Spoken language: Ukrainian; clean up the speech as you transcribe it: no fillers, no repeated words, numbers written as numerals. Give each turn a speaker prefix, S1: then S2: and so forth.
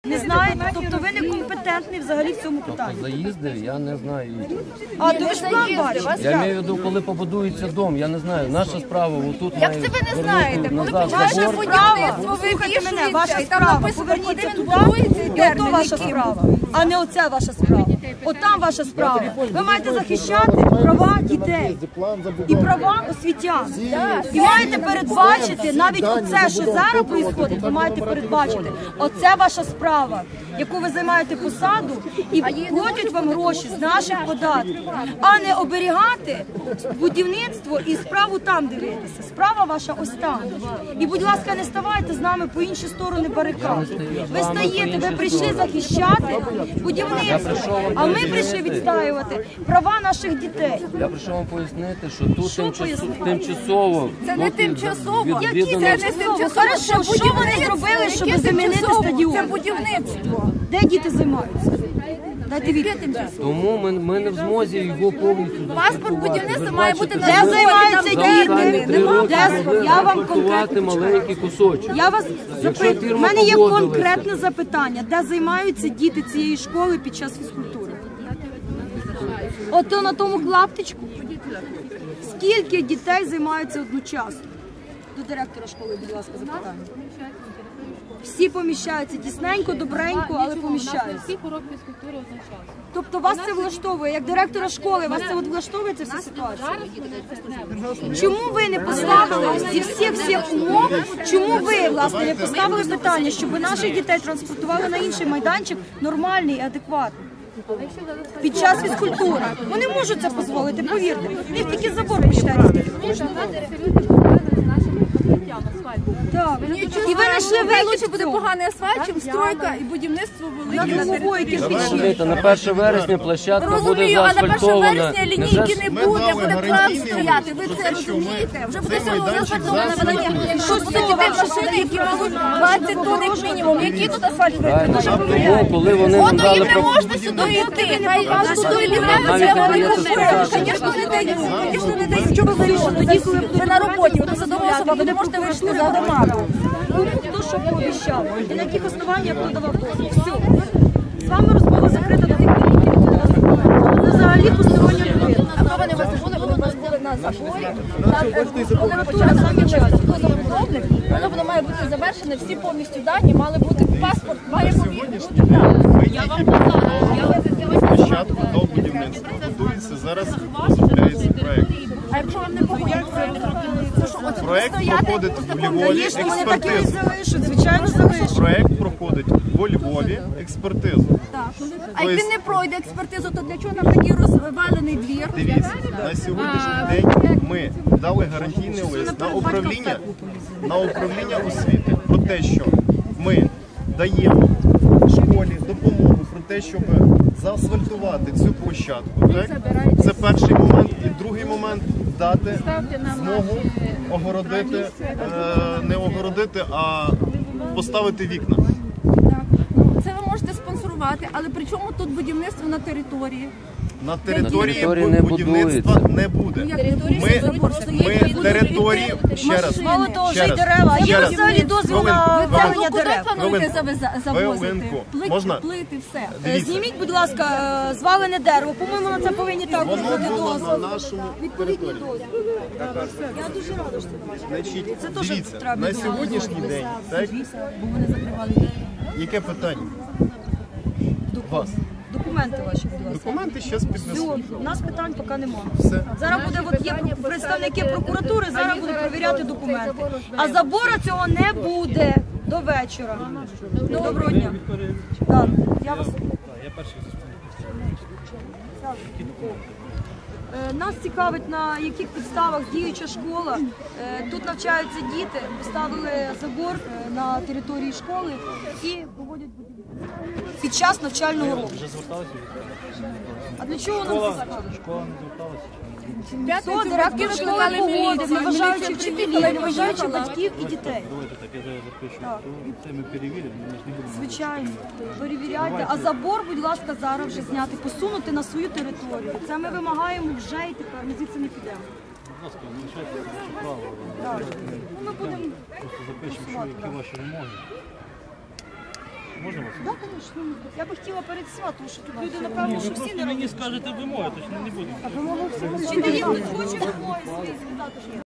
S1: Не знаєте? Тобто ви некомпетентний взагалі в цьому питанні.
S2: Заїзди, я не знаю.
S1: А то ви ж план бачите.
S2: Я маю в виду, коли побудується дом, я не знаю. Наша справа, отут
S3: Як це ви не знаєте? Коли починаєте будівництво, ви вивішуєте, і там написано, куди він будується, і
S1: ото ваша справа, а не оце ваша справа. От там ваша справа. Ви маєте захищати права дітей і права освітян. І маєте передбачити, навіть оце, що зараз відбувається, ви маєте передбачити. Оце ваша справа, яку ви займаєте посаду і платять вам гроші з наших податків, а не оберігати будівництво і справу там дивитися. Справа ваша ось там. І, будь ласка, не ставайте з нами по інші сторони барикад. Ви стаєте, ви прийшли захищати будівництво, а ми прийшли відстоювати права наших дітей.
S2: Я прийшов вам пояснити, що тут тимчасово.
S3: Це не тимчасово.
S1: Які це не тимчасово? Хорошо, що вони зробили, щоб замінити стадіон?
S3: Це будівництво.
S1: Де діти займаються? Дайте відповідь.
S2: Тому ми не в змозі його повністю
S3: Паспорт будівництва має бути на
S1: Де займаються діти? Я вам
S2: конкретно маленький кусочок.
S1: Я вас запитую, у мене є конкретне запитання. Де займаються діти цієї школи під час фізкультури? Ото на тому клаптичку. Скільки дітей займаються одночасно? До директора школи, будь ласка, запитання. Всі поміщаються тісненько, добренько, але поміщаються.
S4: Всіх урок фізкультури одночасно.
S1: Тобто вас це влаштовує, як директора школи, вас це от влаштовує ця вся ситуація? Чому ви не поставили зі всіх умов, чому ви, власне, не поставили питання, щоб наших дітей транспортували на інший майданчик нормальний і адекватний? Під час фізкультури. Вони можуть це дозволити, повірте. В них тільки забор почитається. Так. І ви знайшли вихід.
S3: Буде поганий асфальт, чим стройка і будівництво велике на території.
S2: Розумієте, на 1 вересня площадка буде
S3: Розумію, а на 1
S2: заасфальтована.
S3: вересня лінійки не буде, буде план стояти. Ви це розумієте? Вже буде заасфальтована велике. Що будуть дітей машини, які везуть 20 тонн як мінімум. Які тут асфальт
S2: Тому, коли вони нам
S3: Ото
S2: дали
S3: їм не можна сюди йти. Хай вас туди йдете, це вони купують. Звісно, не дають. Звісно, не дають. Що ви вирішили? Тоді, коли ви на роботі, ви посадова особа, ви не можете вирішити за громаду.
S1: Хто що пообіцяв? І на яких основаннях хто давав дозвіл? Все. З вами розмова закрита до тих пір, які ви нас знаєте. Це взагалі постороння людина.
S3: А хто вони вас були? Вони вас були на заборі. Коли
S1: Почали самі час.
S3: хто забудовник, воно має бути завершене, всі повністю дані, мали бути паспорт, має бути
S5: Спочатку до будівництва готується, зараз розробляється проєкт.
S3: А якщо вам не погодиться,
S5: Проєкт проходить в Львові
S1: Вони так і
S5: експертизу.
S1: залишать, звичайно, залишать.
S5: Проєкт проходить в Львові експертизу.
S3: а як він не пройде експертизу, то для чого нам такий розвалений двір?
S5: Дивіться, на сьогоднішній день ми дали гарантійний лист на управління освіти про те, що ми даємо школі допомогу про те, щоб заасфальтувати цю площадку. Так? Це перший момент. І другий момент – дати змогу огородити, не огородити, а поставити вікна.
S3: Це ви можете спонсорувати, але при чому тут будівництво на території?
S5: На території
S2: не
S5: будівництва
S2: будується.
S5: не буде. Ми території, ще раз,
S1: Мало того, вже й дерева. Є взагалі дозвіл на виведення
S3: Куди
S1: дерев.
S3: плануєте завозити?
S5: Хвилинку. Можна?
S3: Плити, все.
S5: Дивіться.
S1: Зніміть, будь ласка, звалене дерево. По-моєму, на це повинні також
S5: Воно
S1: бути
S5: було на
S1: дозвіл.
S5: нашому
S1: Відповідні
S5: території.
S1: дозвіли. Я дуже рада, що це ваше.
S5: Значить,
S1: Це теж
S5: дивіться,
S1: треба
S5: на
S1: було
S5: сьогоднішній день, так? Яке питання? Вас.
S1: Документи ваші, будь ласка.
S5: Документи зараз піднесу.
S1: Все, у нас питань поки немає.
S5: Все.
S1: Зараз буде, от є представники прокуратури, зараз будуть перевіряти документи. А забору цього не буде до вечора. Доброго дня. Так, я вас... Нас цікавить, на яких підставах діюча школа. Тут навчаються діти, поставили забор на території школи і проводять будівництво під час навчального року. А для чого нам це цікаво?
S6: Школа не зверталася?
S1: Хто директор школи погодив, не вважаючи вчителів, не вважаючи батьків і дітей?
S6: Давайте так, я зараз запишу. Це ми перевіримо, ми ж не будемо.
S1: Звичайно, перевіряйте. А забор, будь ласка, зараз вже зняти, посунути на свою територію. Це ми вимагаємо вже і тепер, ми звідси не підемо.
S6: Будь ласка, не лишайте ваше право.
S1: Так. Ну, ми будемо
S6: Просто запишемо, що які ваші вимоги. Можна вас?
S1: Так, звісно. Я би хотіла перед свят, тому що тут люди, напевно, що всі
S6: Просто
S1: не
S6: мені
S1: роблять.
S6: скажете вимоги, точно не буду.
S1: Чи не є хтось хоче вимоги свої сказати?